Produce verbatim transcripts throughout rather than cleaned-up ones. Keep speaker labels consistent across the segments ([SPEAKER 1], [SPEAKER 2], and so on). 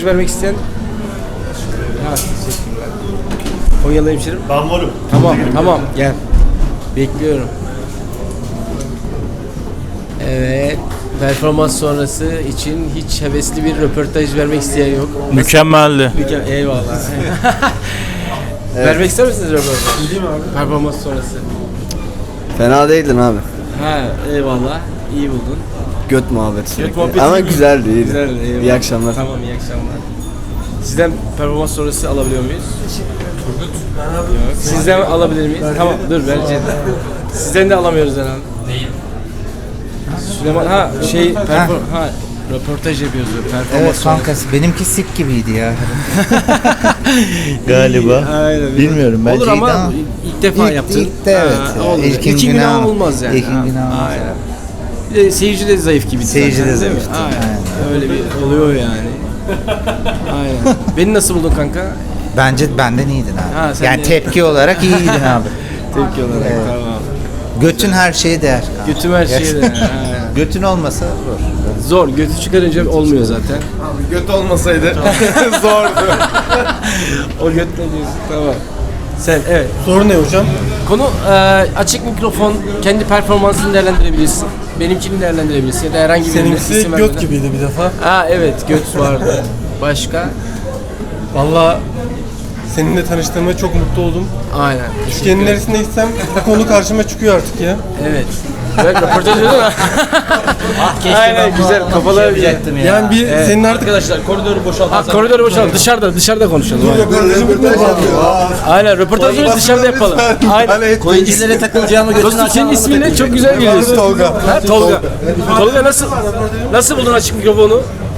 [SPEAKER 1] röportaj vermek isteyen? Ha, teşekkürler. Konyalı hemşerim.
[SPEAKER 2] Ben varım.
[SPEAKER 1] Tamam, tamam. Gel. Bekliyorum. Evet. Performans sonrası için hiç hevesli bir röportaj vermek isteyen yok.
[SPEAKER 3] Mükemmeldi.
[SPEAKER 1] Mükemmel. Eyvallah. Evet. Vermek ister misiniz röportaj? Bileyim abi. Performans sonrası.
[SPEAKER 4] Fena değildin abi.
[SPEAKER 1] Ha, eyvallah. İyi buldun.
[SPEAKER 4] Göt muhabbeti.
[SPEAKER 1] Göt muhabbeti
[SPEAKER 4] Ama
[SPEAKER 1] iyi mi?
[SPEAKER 4] güzeldi, iyiydi.
[SPEAKER 1] Güzeldi, eyvallah.
[SPEAKER 4] İyi akşamlar.
[SPEAKER 1] Tamam, iyi akşamlar. Sizden performans sonrası alabiliyor muyuz? Turgut. Yok. Sizden alabilir miyiz? Tamam, dur vereceğiz. Sizden de alamıyoruz herhalde. Değil. Süleyman, ha şey, perfor ha röportaj yapıyoruz. Performans
[SPEAKER 5] Evet
[SPEAKER 1] sonrası.
[SPEAKER 5] kankası. Benimki sik gibiydi ya.
[SPEAKER 3] Galiba.
[SPEAKER 1] Aynen.
[SPEAKER 3] Bilmiyorum bence
[SPEAKER 1] Olur ama
[SPEAKER 5] ama
[SPEAKER 1] ilk defa
[SPEAKER 5] ilk,
[SPEAKER 1] yaptın.
[SPEAKER 5] ilk de evet.
[SPEAKER 1] Ha,
[SPEAKER 5] ya.
[SPEAKER 1] olur.
[SPEAKER 5] İlkin
[SPEAKER 1] İlkin günah
[SPEAKER 5] günah
[SPEAKER 1] olmaz yani.
[SPEAKER 5] İlkin
[SPEAKER 1] Ha,
[SPEAKER 5] günah olmaz.
[SPEAKER 1] Aynen. Bir de seyirci de zayıf gibi.
[SPEAKER 5] Seyirci
[SPEAKER 1] zaten,
[SPEAKER 5] de
[SPEAKER 1] değil mi?
[SPEAKER 5] zayıftı,
[SPEAKER 1] Aynen.
[SPEAKER 5] aynen.
[SPEAKER 1] Öyle bir oluyor yani. Aynen. Beni nasıl buldun kanka?
[SPEAKER 5] Bence benden iyiydin abi.
[SPEAKER 1] Ha, sen
[SPEAKER 5] yani
[SPEAKER 1] de-
[SPEAKER 5] tepki olarak iyiydin abi.
[SPEAKER 1] Tepki olarak
[SPEAKER 5] Evet.
[SPEAKER 1] tamam.
[SPEAKER 5] Götün her şeye değer. kanka.
[SPEAKER 1] Götüm her şeye de. Ha.
[SPEAKER 5] Götün olmasa zor.
[SPEAKER 1] Zor. Götü çıkarınca olmuyor zaten.
[SPEAKER 4] Abi göt olmasaydı zordu.
[SPEAKER 1] O göt ne diyorsun? Tamam. Sen evet.
[SPEAKER 6] Sorun ne hocam?
[SPEAKER 1] Konu e, açık mikrofon, kendi performansını değerlendirebilirsin. Benimkini değerlendirebilirsin ya da herhangi bir
[SPEAKER 6] Seninkisi
[SPEAKER 1] isim
[SPEAKER 6] göt
[SPEAKER 1] vermeden.
[SPEAKER 6] gibiydi bir defa.
[SPEAKER 1] Ha evet, göt vardı. Başka?
[SPEAKER 6] Vallahi seninle tanıştığıma çok mutlu oldum.
[SPEAKER 1] Aynen.
[SPEAKER 6] Türkiye'nin neresinde gitsem bu konu karşıma çıkıyor artık ya.
[SPEAKER 1] Evet. Evet, röportaj değil mi? Aynen, güzel. Kafalar
[SPEAKER 5] yapacaktım ya.
[SPEAKER 6] Yani bir
[SPEAKER 1] Evet.
[SPEAKER 6] senin artık
[SPEAKER 3] Arkadaşlar koridoru boşaltın.
[SPEAKER 1] Ha, koridoru boşaltalım. Dışarıda, dışarıda konuşalım. Aynen, röportajları dışarıda yapalım. Aynen.
[SPEAKER 5] Koyuncilere takılacağımı götün
[SPEAKER 1] Dostum senin ismin ne? Çok güzel geliyorsun.
[SPEAKER 6] Tolga.
[SPEAKER 1] Ha, Tolga. Tolga nasıl nasıl buldun açık mikrofonu?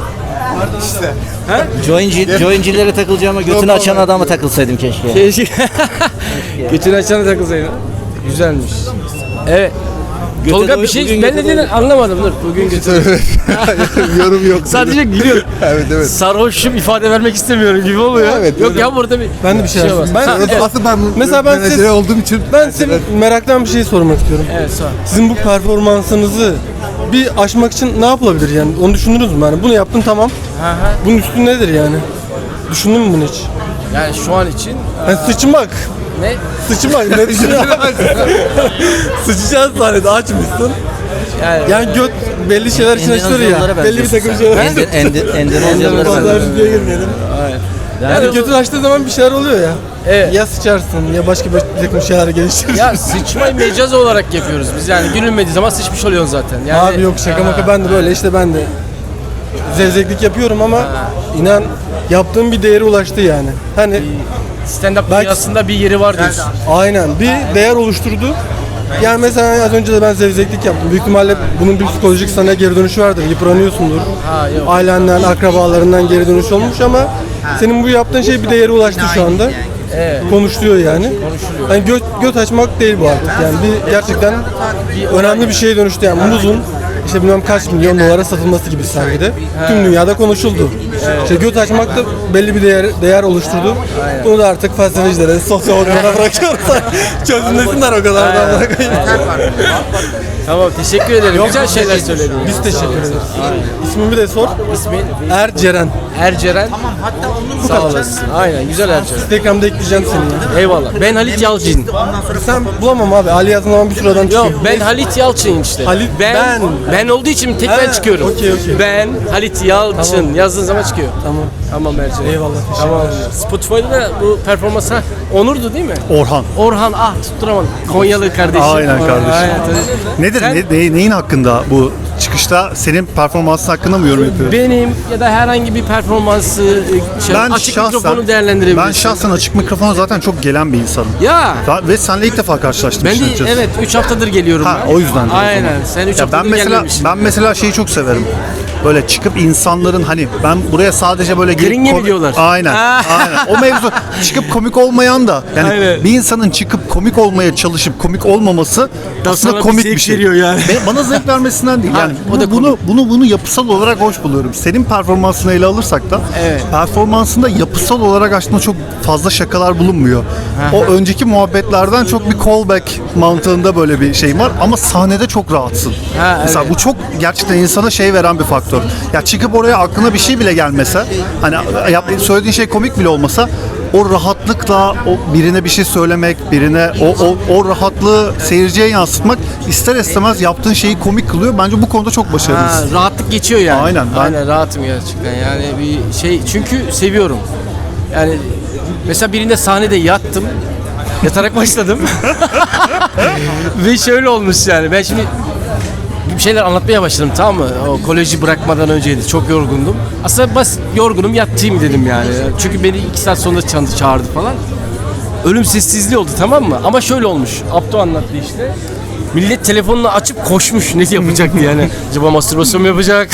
[SPEAKER 7] Joinci, joincilere takılacağıma götünü açan adama takılsaydım keşke.
[SPEAKER 1] Keşke. Götünü açana takılsaydın. Güzelmiş. Evet. Tolga bir şey, ben ne dediğini anlamadım. Dur, bugün götür.
[SPEAKER 4] Yorum yok.
[SPEAKER 1] Sadece gülüyor.
[SPEAKER 4] Evet evet.
[SPEAKER 1] Sarhoşum ifade vermek istemiyorum gibi oluyor.
[SPEAKER 4] Evet,
[SPEAKER 1] Yok
[SPEAKER 4] öyle.
[SPEAKER 1] ya, burada bir
[SPEAKER 6] Ben de bir şey
[SPEAKER 1] var.
[SPEAKER 6] yapayım. Ben-
[SPEAKER 1] Ha, evet.
[SPEAKER 4] Aslında ben
[SPEAKER 6] Mesela ben
[SPEAKER 4] menajeri
[SPEAKER 6] siz-
[SPEAKER 4] olduğum için
[SPEAKER 6] ben size meraktan bir şey sormak istiyorum.
[SPEAKER 1] Evet, sağ ol.
[SPEAKER 6] Sizin bu performansınızı bir aşmak için ne yapılabilir yani? Onu düşündünüz mü? Yani bunu yaptın tamam.
[SPEAKER 1] Ha, ha.
[SPEAKER 6] Bunun üstü nedir yani? Düşündün mü bunu hiç?
[SPEAKER 1] Yani şu an için
[SPEAKER 6] Yani sıçmak.
[SPEAKER 1] ne?
[SPEAKER 6] Sıçmak ne düşünüyorsun? Sıçacağız sahnede açmışsın.
[SPEAKER 1] Yani,
[SPEAKER 6] Yani göt belli şeyler için açılır ya. Belli bir takım şeyler.
[SPEAKER 7] Ender, ender, Endonezyalılara
[SPEAKER 6] Fazla
[SPEAKER 7] benziyorsun.
[SPEAKER 6] videoya girmeyelim.
[SPEAKER 1] Aynen.
[SPEAKER 6] Yani götün açtığı zaman bir şeyler oluyor ya.
[SPEAKER 1] Evet.
[SPEAKER 6] Ya sıçarsın ya başka bir takım şeyler geliştirirsin.
[SPEAKER 1] Ya sıçmayı mecaz olarak yapıyoruz biz, yani gülünmediği zaman sıçmış oluyorsun zaten. Yani,
[SPEAKER 6] Abi yok şaka maka ben de böyle işte ben de zevzeklik yapıyorum ama inan yaptığım bir değere ulaştı yani. Hani
[SPEAKER 1] stand-up
[SPEAKER 6] Belki-
[SPEAKER 1] dünyasında bir yeri var diyorsun.
[SPEAKER 6] aynen bir değer oluşturdu. Yani mesela az önce de ben zevzeklik yaptım. Büyük ihtimalle bunun bir psikolojik sana geri dönüşü vardır. Yıpranıyorsundur.
[SPEAKER 1] Ha, yok.
[SPEAKER 6] Ailenden, akrabalarından geri dönüş olmuş ama senin bu yaptığın şey bir değere ulaştı şu anda.
[SPEAKER 1] Evet.
[SPEAKER 6] Konuşuluyor yani. Yani göt, göt açmak değil bu artık. Yani bir gerçekten önemli bir şeye dönüştü yani muzun işte bilmem kaç milyon dolara satılması gibi sanki de tüm dünyada konuşuldu. İşte göt açmak da belli bir değer değer oluşturdu. Bunu da artık felsefecilere, sosyologlara bırakıyoruz. Çözümlesinler o kadar da bırakayım.
[SPEAKER 1] Tamam, teşekkür ederim. Güzel şeyler söyledin.
[SPEAKER 6] Biz teşekkür ederiz. İsmimi de sor.
[SPEAKER 1] İsmin
[SPEAKER 6] Erceren.
[SPEAKER 1] Erceren. Sağ olasın. Aynen, güzel Erceren.
[SPEAKER 6] Instagram'da ekleyeceğim seni ya.
[SPEAKER 1] Eyvallah. Ben Halit Yalçın.
[SPEAKER 6] Sen bulamam abi. Ali yazdığın zaman bir sürü adam çıkıyor.
[SPEAKER 1] Yok, ben Halit Yalçın işte.
[SPEAKER 6] Halit-
[SPEAKER 1] ben,
[SPEAKER 6] ben.
[SPEAKER 1] ben olduğu için tek ben
[SPEAKER 6] Ha,
[SPEAKER 1] çıkıyorum.
[SPEAKER 6] okey, okey.
[SPEAKER 1] Ben Halit Yalçın
[SPEAKER 6] Tamam.
[SPEAKER 1] yazdığın zaman çıkıyor.
[SPEAKER 6] Tamam.
[SPEAKER 1] Tamam Erceren.
[SPEAKER 6] Eyvallah, teşekkür
[SPEAKER 1] Tamam. Spotify'da da bu performans ha, Onur'du değil mi?
[SPEAKER 2] Orhan.
[SPEAKER 1] Orhan, ah tutturamadım. Konyalı kardeşim.
[SPEAKER 2] Aynen kardeşim.
[SPEAKER 1] Aynen, tabii.
[SPEAKER 2] Nedir?
[SPEAKER 1] Sen-
[SPEAKER 2] Ne, ne- neyin hakkında bu çıkışta senin performansın hakkında mı yorum yapıyorsun?
[SPEAKER 1] Benim ya da herhangi bir performansı şey,
[SPEAKER 2] Ben
[SPEAKER 1] açık
[SPEAKER 2] şahsen,
[SPEAKER 1] mikrofonu değerlendirebilirsin.
[SPEAKER 2] ben şahsen açık mikrofona zaten çok gelen bir insanım.
[SPEAKER 1] Ya
[SPEAKER 2] Ve seninle ilk defa karşılaştım.
[SPEAKER 1] ben
[SPEAKER 2] işin
[SPEAKER 1] de
[SPEAKER 2] açıkçası.
[SPEAKER 1] evet üç haftadır geliyorum
[SPEAKER 2] Ha,
[SPEAKER 1] ben.
[SPEAKER 2] o yüzden de o
[SPEAKER 1] Aynen.
[SPEAKER 2] zaman.
[SPEAKER 1] Sen üç
[SPEAKER 2] Ya
[SPEAKER 1] haftadır
[SPEAKER 2] ben mesela
[SPEAKER 1] gelmemişsin.
[SPEAKER 2] ben mesela şeyi çok severim. Böyle çıkıp insanların hani ben buraya sadece böyle gelip
[SPEAKER 1] Gringe mi
[SPEAKER 2] komi-
[SPEAKER 1] diyorlar?
[SPEAKER 2] Aynen.
[SPEAKER 1] Ha.
[SPEAKER 2] Aynen. O mevzu çıkıp komik olmayan da yani
[SPEAKER 1] Aynen.
[SPEAKER 2] bir insanın çıkıp komik olmaya çalışıp komik olmaması
[SPEAKER 1] Da
[SPEAKER 2] aslında
[SPEAKER 1] sana bir
[SPEAKER 2] komik
[SPEAKER 1] zevk
[SPEAKER 2] bir şey.
[SPEAKER 1] veriyor yani.
[SPEAKER 2] Ve bana zevk vermesinden değil.
[SPEAKER 1] Ha,
[SPEAKER 2] Yani
[SPEAKER 1] o da
[SPEAKER 2] bunu, bunu bunu bunu yapısal olarak hoş buluyorum. Senin performansını ele alırsak da
[SPEAKER 1] Evet.
[SPEAKER 2] performansında yapısal olarak aslında çok fazla şakalar bulunmuyor. O önceki muhabbetlerden çok bir callback mantığında böyle bir şey var ama sahnede çok rahatsın.
[SPEAKER 1] Ha,
[SPEAKER 2] Mesela
[SPEAKER 1] evet.
[SPEAKER 2] bu çok gerçekten insana şey veren bir faktör. faktör. Ya çıkıp oraya aklına bir şey bile gelmese, hani yap, söylediğin şey komik bile olmasa, o rahatlıkla o birine bir şey söylemek, birine o, o, o rahatlığı seyirciye yansıtmak ister istemez yaptığın şeyi komik kılıyor. Bence bu konuda çok
[SPEAKER 1] Ha,
[SPEAKER 2] başarılısın.
[SPEAKER 1] rahatlık geçiyor yani.
[SPEAKER 2] Aynen, ben-
[SPEAKER 1] Aynen rahatım gerçekten. Yani bir şey çünkü seviyorum. Yani mesela birinde sahnede yattım. Yatarak başladım. Ve şöyle olmuş yani. Ben şimdi bir şeyler anlatmaya başladım, tamam mı? O koleji bırakmadan önceydi. Çok yorgundum. Aslında bas yorgunum, yatayım dedim yani. Çünkü beni iki saat sonra ça- çağırdı falan. Ölüm sessizliği oldu, tamam mı? Ama şöyle olmuş. Abdo anlattı işte. Millet telefonunu açıp koşmuş. Ne yapacak diye yani. Acaba mastürbasyon mu yapacak?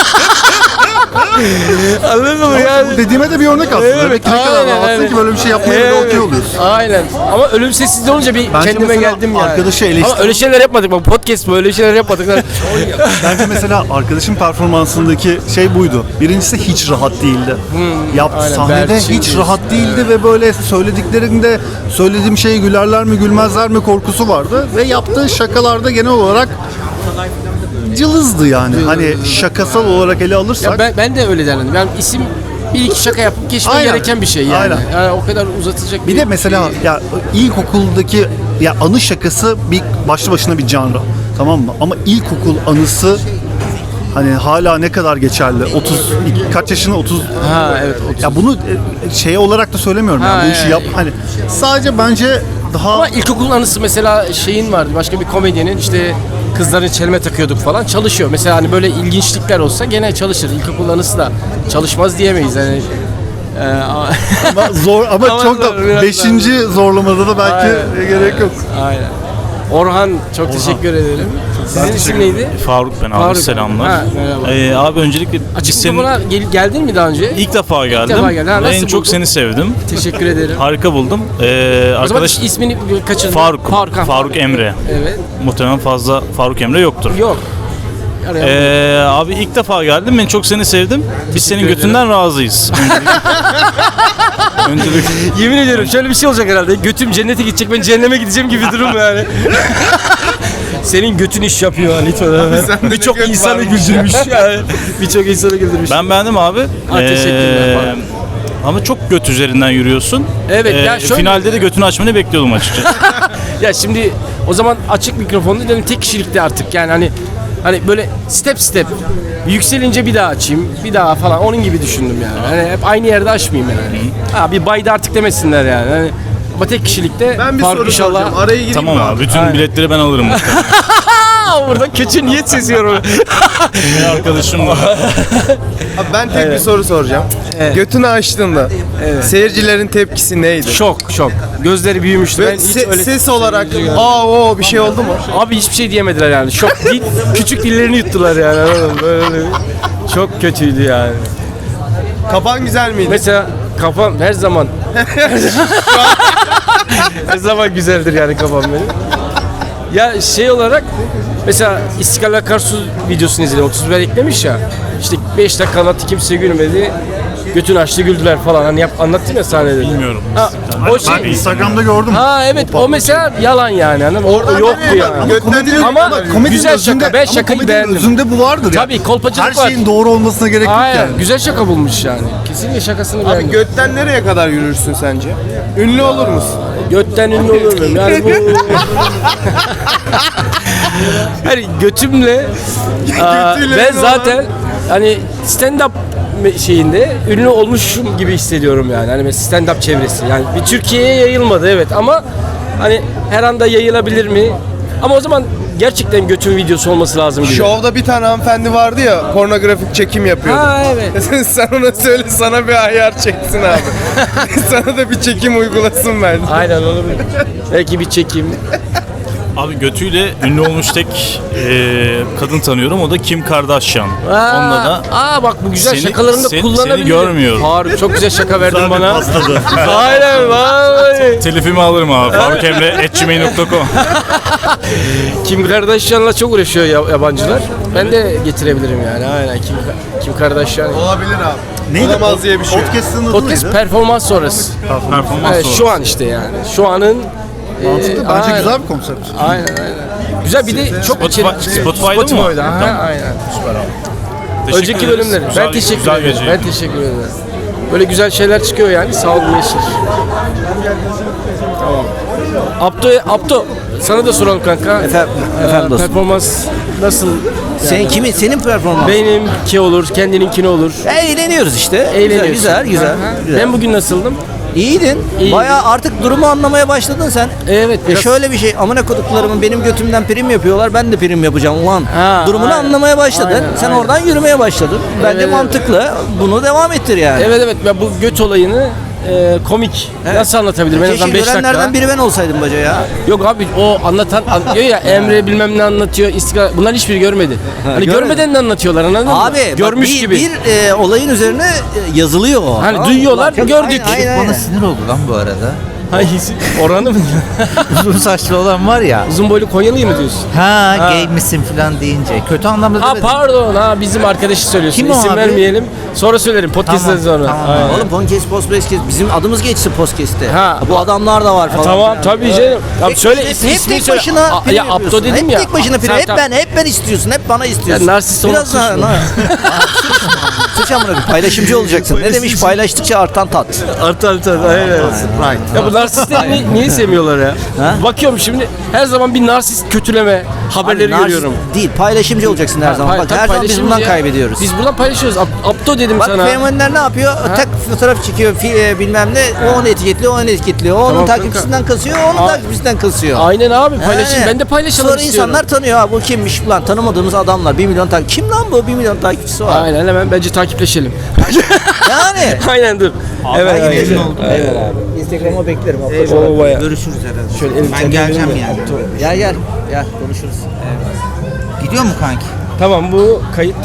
[SPEAKER 1] Anladın mı yani?
[SPEAKER 2] Bu dediğime de bir örnek aslında.
[SPEAKER 1] Evet,
[SPEAKER 2] Demek ki ne kadar
[SPEAKER 1] aynen,
[SPEAKER 2] rahatsın
[SPEAKER 1] aynen.
[SPEAKER 2] ki böyle bir şey yapmaya
[SPEAKER 1] Evet,
[SPEAKER 2] da okey oluyorsun.
[SPEAKER 1] Aynen. Ama ölüm sessizliği olunca bir
[SPEAKER 2] Bence
[SPEAKER 1] kendime
[SPEAKER 2] mesela
[SPEAKER 1] geldim yani.
[SPEAKER 2] arkadaşı eleştir-
[SPEAKER 1] Ama öyle şeyler yapmadık. Bak podcast bu, öyle şeyler yapmadık.
[SPEAKER 2] Bence mesela arkadaşın performansındaki şey buydu. Birincisi hiç rahat değildi. Yap
[SPEAKER 1] aynen,
[SPEAKER 2] sahnede
[SPEAKER 1] Berçin
[SPEAKER 2] hiç
[SPEAKER 1] diyorsun.
[SPEAKER 2] rahat değildi ve böyle söylediklerinde söylediğim şeye gülerler mi gülmezler mi korkusu vardı ve yaptığı şakalarda genel olarak cılızdı yani. Hani şakasal olarak ele alırsak
[SPEAKER 1] Ya ben, ben de öyle derdim. Ben isim bir iki şaka yapıp geçmem
[SPEAKER 2] Aynen.
[SPEAKER 1] gereken bir şey yani.
[SPEAKER 2] Aynen.
[SPEAKER 1] Yani o kadar uzatacak
[SPEAKER 2] bir de mesela ya ilkokuldaki ya anı şakası bir başlı başına bir canlı. Tamam mı? Ama ilkokul anısı hani hala ne kadar geçerli? otuz kaç yaşında? otuz
[SPEAKER 1] Ha evet. otuz.
[SPEAKER 2] Ya bunu e, şey olarak da söylemiyorum
[SPEAKER 1] Ha,
[SPEAKER 2] yani bu işi
[SPEAKER 1] evet.
[SPEAKER 2] yap hani sadece bence daha
[SPEAKER 1] Ama ilkokul anısı mesela şeyin vardı. Başka bir komedyenin işte kızların çelme takıyorduk falan çalışıyor. Mesela hani böyle ilginçlikler olsa gene çalışır. İlkokul anısı da çalışmaz diyemeyiz. Yani e, a-
[SPEAKER 2] ama zor ama,
[SPEAKER 1] Ama
[SPEAKER 2] çok
[SPEAKER 1] zor,
[SPEAKER 2] da
[SPEAKER 1] biraz
[SPEAKER 2] beşinci zorlamada da belki
[SPEAKER 1] Aynen.
[SPEAKER 2] gerek yok.
[SPEAKER 1] Aynen. Orhan çok teşekkür ederim. Sizin isim neydi?
[SPEAKER 3] Faruk ben abi
[SPEAKER 1] Faruk.
[SPEAKER 3] selamlar.
[SPEAKER 1] Ha, merhaba.
[SPEAKER 3] Ee, abi öncelikle biz
[SPEAKER 1] Açık
[SPEAKER 3] senin
[SPEAKER 1] mikrofona gel- geldin mi daha önce?
[SPEAKER 3] ilk defa geldim.
[SPEAKER 1] defa geldin. Ha,
[SPEAKER 3] Ve en
[SPEAKER 1] nasıl
[SPEAKER 3] çok
[SPEAKER 1] buldun?
[SPEAKER 3] seni sevdim.
[SPEAKER 1] Teşekkür ederim.
[SPEAKER 3] Harika buldum. Ee,
[SPEAKER 1] O zaman
[SPEAKER 3] arkadaş
[SPEAKER 1] ismini kaçırdın.
[SPEAKER 3] Faruk.
[SPEAKER 1] Faruk. ha.
[SPEAKER 3] Faruk Emre.
[SPEAKER 1] Evet.
[SPEAKER 3] Muhtemelen fazla Faruk Emre yoktur.
[SPEAKER 1] Yok. Araya-
[SPEAKER 3] Ee, abi ilk defa geldim. Ben çok seni sevdim. Biz senin
[SPEAKER 1] ederim.
[SPEAKER 3] götünden razıyız. Öncelikle. Öncelikle.
[SPEAKER 1] Yemin ediyorum şöyle bir şey olacak herhalde. Götüm cennete gidecek, ben cehenneme gideceğim gibi durum yani. Senin götün iş yapıyor lütfen. Birçok insanı güldürmüş yani. Birçok insanı güldürmüş.
[SPEAKER 3] Ben beğendim abi.
[SPEAKER 1] Ha, teşekkürler,
[SPEAKER 3] Ee,
[SPEAKER 1] Faruk.
[SPEAKER 3] ama çok göt üzerinden yürüyorsun.
[SPEAKER 1] Evet, ya şöyle-
[SPEAKER 3] Finalde de götünü açmanı bekliyordum açıkçası.
[SPEAKER 1] Ya şimdi o zaman açık mikrofonda dedim tek kişilikte artık yani hani hani böyle step step yükselince bir daha açayım, bir daha falan onun gibi düşündüm yani. Hani hep aynı yerde açmayayım yani. Ha bir bayda artık demesinler yani. Hani ama tek kişilikte
[SPEAKER 4] Ben bir
[SPEAKER 1] Faruk
[SPEAKER 4] soru
[SPEAKER 1] inşallah.
[SPEAKER 4] soracağım. Araya gireyim
[SPEAKER 3] Tamam
[SPEAKER 4] mi
[SPEAKER 3] abi. Bütün biletleri ben alırım.
[SPEAKER 1] Aa, burada kötü niyet seziyorum.
[SPEAKER 3] Bir arkadaşım var.
[SPEAKER 4] Abi ben tek bir soru soracağım. Götünü açtığında seyircilerin tepkisi neydi?
[SPEAKER 1] Şok şok. Gözleri büyümüştü.
[SPEAKER 4] Ve
[SPEAKER 1] Ben hiç
[SPEAKER 4] se-
[SPEAKER 1] öyle
[SPEAKER 4] ses olarak aa o bir şey oldu mu?
[SPEAKER 1] Abi hiçbir şey diyemediler yani. Şok değil. Küçük dillerini yuttular yani. Anladın mı? Böyle çok kötüydü yani.
[SPEAKER 4] Kapan güzel miydi?
[SPEAKER 1] Mesela kafam her zaman her zaman güzeldir yani kafam benim. Ya şey olarak mesela İstiklal Akarsu videosunu izledim. otuz bir eklemiş ya. İşte beş dakika anlattı kimse gülmedi. Götünü açtı güldüler falan. Hani yap, anlattım ya sahnede.
[SPEAKER 3] Bilmiyorum.
[SPEAKER 1] Ha, o
[SPEAKER 2] Ben
[SPEAKER 1] şey.
[SPEAKER 2] Instagram'da gördüm.
[SPEAKER 1] Ha evet o mesela yalan yani. Hani orada yoktu yani.
[SPEAKER 4] Götten
[SPEAKER 1] Ama
[SPEAKER 2] Komedinin
[SPEAKER 1] güzel
[SPEAKER 2] özünde-
[SPEAKER 1] şaka. Ben
[SPEAKER 2] ama
[SPEAKER 1] şakayı
[SPEAKER 2] komedinin
[SPEAKER 1] beğendim.
[SPEAKER 2] özünde bu vardır ya.
[SPEAKER 1] Tabii kolpacılık
[SPEAKER 2] Her
[SPEAKER 1] var.
[SPEAKER 2] şeyin doğru olmasına gerek yok
[SPEAKER 1] Aynen.
[SPEAKER 2] yani.
[SPEAKER 1] Güzel şaka bulmuş yani. Kesinlikle şakasını
[SPEAKER 4] Abi
[SPEAKER 1] beğendim.
[SPEAKER 4] götten nereye kadar yürürsün sence? Ünlü olur musun?
[SPEAKER 1] Götten ünlü olur muyum? Yani bu... hani götümle aa,
[SPEAKER 4] Götüyle
[SPEAKER 1] ben
[SPEAKER 4] ünlü
[SPEAKER 1] zaten hani stand-up me- şeyinde ünlü olmuşum gibi hissediyorum yani. Hani stand-up çevresi. Yani bir Türkiye'ye yayılmadı evet ama hani her anda yayılabilir mi? Ama o zaman gerçekten götün videosu olması lazım gibi.
[SPEAKER 4] Şovda bir tane hanımefendi vardı ya pornografik çekim yapıyordu.
[SPEAKER 1] Ha evet.
[SPEAKER 4] Sen ona söyle sana bir ayar çeksin abi. Sana da bir çekim uygulasın bence.
[SPEAKER 1] Aynen olabilir. Belki bir çekim.
[SPEAKER 3] Abi götüyle ünlü olmuş tek e, kadın tanıyorum. O da Kim Kardashian.
[SPEAKER 1] Aa,
[SPEAKER 3] Onunla da
[SPEAKER 1] aa bak bu güzel
[SPEAKER 3] Seni-
[SPEAKER 1] şakalarını
[SPEAKER 3] seni-
[SPEAKER 1] kullanabilirim.
[SPEAKER 3] seni görmüyorum.
[SPEAKER 1] Faruk çok güzel şaka verdin
[SPEAKER 2] Güzel bir
[SPEAKER 1] bana.
[SPEAKER 2] pasladı.
[SPEAKER 1] Aynen vay.
[SPEAKER 3] telifimi alırım abi. faruk emre at gmail nokta com.
[SPEAKER 1] Kim Kardashian'la çok uğraşıyor ya- yabancılar. Ben de getirebilirim yani. Aynen Kim, Kim Kardashian.
[SPEAKER 4] Olabilir abi.
[SPEAKER 2] Neydi?
[SPEAKER 4] Olamaz diye bir şey yok.
[SPEAKER 2] Podcast'ın adı
[SPEAKER 1] Podcast
[SPEAKER 2] neydi?
[SPEAKER 1] performans sonrası.
[SPEAKER 3] Performans
[SPEAKER 1] Evet,
[SPEAKER 3] sonrası.
[SPEAKER 1] şu an işte yani. Şu anın
[SPEAKER 2] Mantıklı.
[SPEAKER 1] e,
[SPEAKER 2] Bence
[SPEAKER 1] aynen.
[SPEAKER 2] güzel bir konsept.
[SPEAKER 1] Aynen aynen. Güzel bir de çok
[SPEAKER 3] Spotify-
[SPEAKER 1] içerik çıkıyor.
[SPEAKER 3] Spotify'da mı?
[SPEAKER 1] Spotify'da. Ha,
[SPEAKER 3] Tamam.
[SPEAKER 1] aynen.
[SPEAKER 3] Teşekkür
[SPEAKER 1] Önceki
[SPEAKER 3] ederiz.
[SPEAKER 1] bölümleri.
[SPEAKER 3] Güzel-
[SPEAKER 1] ben teşekkür
[SPEAKER 3] güzel
[SPEAKER 1] ederim.
[SPEAKER 3] geceydi.
[SPEAKER 1] Ben teşekkür ederim. Böyle güzel şeyler çıkıyor yani. Sağ olun Yeşil. Tamam. Abdo, Abdo sana da soralım kanka.
[SPEAKER 7] Efendim, efendim
[SPEAKER 1] Ee,
[SPEAKER 7] dostum.
[SPEAKER 1] Performans nasıl?
[SPEAKER 7] Senin kimin? Senin performans.
[SPEAKER 1] Benimki olur, kendininkini olur.
[SPEAKER 7] Eğleniyoruz işte.
[SPEAKER 1] Eğleniyorsun.
[SPEAKER 7] Güzel, güzel, güzel.
[SPEAKER 1] Aha.
[SPEAKER 7] güzel.
[SPEAKER 1] Ben bugün nasıldım?
[SPEAKER 7] İyiydin.
[SPEAKER 1] İyiydim.
[SPEAKER 7] Bayağı artık durumu anlamaya başladın sen.
[SPEAKER 1] Evet.
[SPEAKER 7] E
[SPEAKER 1] biraz-
[SPEAKER 7] şöyle bir şey, amına koduklarımın benim götümden prim yapıyorlar, ben de prim yapacağım ulan.
[SPEAKER 1] Ha,
[SPEAKER 7] Durumunu
[SPEAKER 1] aynen.
[SPEAKER 7] anlamaya başladın.
[SPEAKER 1] Aynen,
[SPEAKER 7] Sen
[SPEAKER 1] aynen.
[SPEAKER 7] oradan yürümeye başladın. Bence
[SPEAKER 1] Evet,
[SPEAKER 7] mantıklı. Bunu devam ettir yani.
[SPEAKER 1] Evet evet. Ben bu göt olayını e, komik.
[SPEAKER 7] Evet.
[SPEAKER 1] Nasıl anlatabilirim? En azından
[SPEAKER 7] Keşke
[SPEAKER 1] beş dakika.
[SPEAKER 7] görenlerden biri ben olsaydım baca ya.
[SPEAKER 1] Yok abi o anlatan an- diyor ya Emre bilmem ne anlatıyor. İstiklal. Bunlar hiçbiri görmedi. Hani
[SPEAKER 7] görmedi.
[SPEAKER 1] görmeden de anlatıyorlar anladın mı?
[SPEAKER 7] Abi bak,
[SPEAKER 1] Görmüş
[SPEAKER 7] bir,
[SPEAKER 1] gibi.
[SPEAKER 7] bir e, olayın üzerine e, yazılıyor o.
[SPEAKER 1] Hani
[SPEAKER 7] Tamam mı?
[SPEAKER 1] duyuyorlar,
[SPEAKER 7] Bak,
[SPEAKER 1] gördük.
[SPEAKER 7] Aynen, aynen,
[SPEAKER 5] Bana
[SPEAKER 7] aynen.
[SPEAKER 5] sinir oldu lan bu arada.
[SPEAKER 1] Hangisi? Oranı mı?
[SPEAKER 5] Uzun saçlı olan var ya.
[SPEAKER 1] Uzun boylu Konyalı'yı mı diyorsun?
[SPEAKER 5] Ha,
[SPEAKER 1] Ha.
[SPEAKER 5] gay misin falan deyince. Kötü anlamda
[SPEAKER 1] Ha
[SPEAKER 5] demedim.
[SPEAKER 1] pardon ha bizim arkadaşı söylüyorsun.
[SPEAKER 5] Kim o
[SPEAKER 1] İsim
[SPEAKER 5] abi?
[SPEAKER 1] vermeyelim. Sonra söylerim podcast'ten
[SPEAKER 5] Tamam,
[SPEAKER 1] sonra.
[SPEAKER 5] tamam.
[SPEAKER 1] Aynen.
[SPEAKER 7] Oğlum podcast, podcast, bizim adımız geçti podcast'te.
[SPEAKER 1] Ha.
[SPEAKER 7] Bu adamlar da var falan.
[SPEAKER 1] Tamam
[SPEAKER 7] filan.
[SPEAKER 1] tabii canım. Tamam
[SPEAKER 7] Hep,
[SPEAKER 1] söyle
[SPEAKER 7] hep,
[SPEAKER 1] ismi,
[SPEAKER 7] hep
[SPEAKER 1] ismini
[SPEAKER 7] tek
[SPEAKER 1] söyle.
[SPEAKER 7] başına
[SPEAKER 1] A-
[SPEAKER 7] prim
[SPEAKER 1] ya Abdo
[SPEAKER 7] yapıyorsun.
[SPEAKER 1] dedim
[SPEAKER 7] hep
[SPEAKER 1] ya.
[SPEAKER 7] tek başına prim.
[SPEAKER 1] Sen
[SPEAKER 7] Hep
[SPEAKER 1] tam-
[SPEAKER 7] ben, hep ben istiyorsun. Hep bana istiyorsun.
[SPEAKER 1] Ya narsist
[SPEAKER 7] Biraz
[SPEAKER 1] olmak
[SPEAKER 7] daha.
[SPEAKER 1] suç mu?
[SPEAKER 7] na- Sıç amına koyayım, paylaşımcı olacaksın. Ne demiş paylaştıkça artan tat.
[SPEAKER 1] Artı artı aynen. Ya bu narsistleri ni- niye sevmiyorlar ya?
[SPEAKER 7] Ha?
[SPEAKER 1] Bakıyorum şimdi her zaman bir narsist kötüleme haberleri
[SPEAKER 7] Abi, narsist
[SPEAKER 1] görüyorum.
[SPEAKER 7] Değil, paylaşımcı olacaksın her zaman.
[SPEAKER 1] Pay-
[SPEAKER 7] Bak
[SPEAKER 1] tabii
[SPEAKER 7] her zaman biz
[SPEAKER 1] paylaşımcı
[SPEAKER 7] bundan
[SPEAKER 1] ya.
[SPEAKER 7] kaybediyoruz.
[SPEAKER 1] Biz buradan paylaşıyoruz. Ab- Abdo dedim
[SPEAKER 7] Bak
[SPEAKER 1] sana.
[SPEAKER 7] fenomenler ne yapıyor? Tak fotoğraf çekiyor, fi- e, bilmem ne. O onu etiketliyor, o onu etiketliyor. O onun
[SPEAKER 1] Tamam kanka.
[SPEAKER 7] takipçisinden kasıyor, o onun
[SPEAKER 1] Aa.
[SPEAKER 7] takipçisinden kasıyor.
[SPEAKER 1] Aynen abi paylaşayım.
[SPEAKER 7] He.
[SPEAKER 1] Ben de paylaşalım
[SPEAKER 7] Sonra
[SPEAKER 1] istiyorum.
[SPEAKER 7] insanlar tanıyor. Ha bu kimmiş lan? Tanımadığımız adamlar. Bir milyon takip. Kim lan bu? Bir milyon takipçisi var.
[SPEAKER 1] Aynen hemen bence takipleşelim.
[SPEAKER 7] Yani.
[SPEAKER 1] Aynen dur. Evet.
[SPEAKER 7] Ben
[SPEAKER 1] evet.
[SPEAKER 7] memnun oldum. Eyvallah abi. Instagram'a beklerim.
[SPEAKER 1] Oo, bayağı.
[SPEAKER 5] Görüşürüz herhalde.
[SPEAKER 1] Şöyle elim-
[SPEAKER 5] Ben geleceğim yani.
[SPEAKER 7] Gel gel. Gel konuşuruz.
[SPEAKER 5] Gidiyor mu kanki?
[SPEAKER 1] Tamam bu kayıt